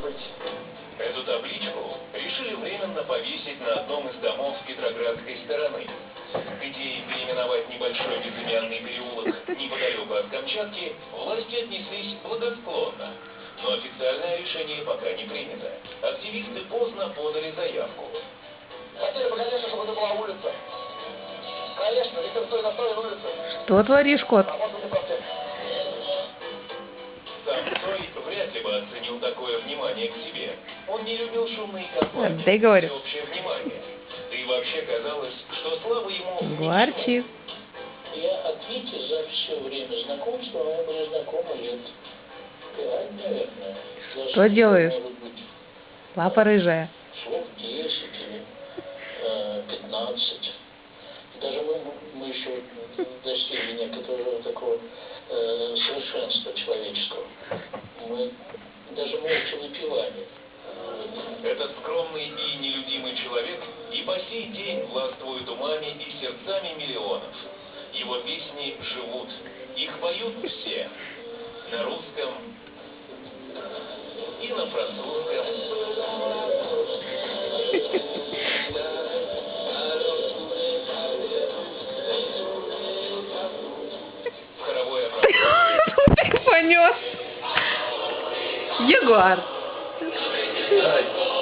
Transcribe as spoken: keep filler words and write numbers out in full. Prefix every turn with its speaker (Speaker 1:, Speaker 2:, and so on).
Speaker 1: быть.
Speaker 2: Эту табличку решили временно повесить на одном из домов Петроградской стороны. К идее переименовать небольшой безымянный переулок неподалеку от Камчатки власти отнеслись благосклонно. Но официальное решение пока не принято. Активисты поздно подали заявку.
Speaker 1: Хотели бы, конечно, чтобы это была улица. Конечно, Викторской настроен улица.
Speaker 3: Что творишь, кот?
Speaker 1: А может быть, и проспект.
Speaker 2: Сам Цой вряд ли бы оценил такое внимание к себе. Он не любил шумные компании,
Speaker 3: Да и говорю.
Speaker 2: всеобщее внимание. Да и вообще казалось, что слава ему...
Speaker 3: Гварчи.
Speaker 4: Я от Вити за все время знакомства, мы были знакомы лет пять, наверное. За
Speaker 3: Что делаешь?
Speaker 4: Может быть,
Speaker 3: Папа рыжая.
Speaker 4: слов десять или э, пятнадцать. Даже мы, мы еще достигли некоторого такого э, совершенства человеческого. Мы даже молча выпивали.
Speaker 2: Этот скромный и нелюдимый человек и по сей день властвует умами и сердцами миллионов. Его песни живут, их поют все. На русском и на французском. В хоровое оправдание.
Speaker 3: Понес. Ягуар.
Speaker 2: Ай.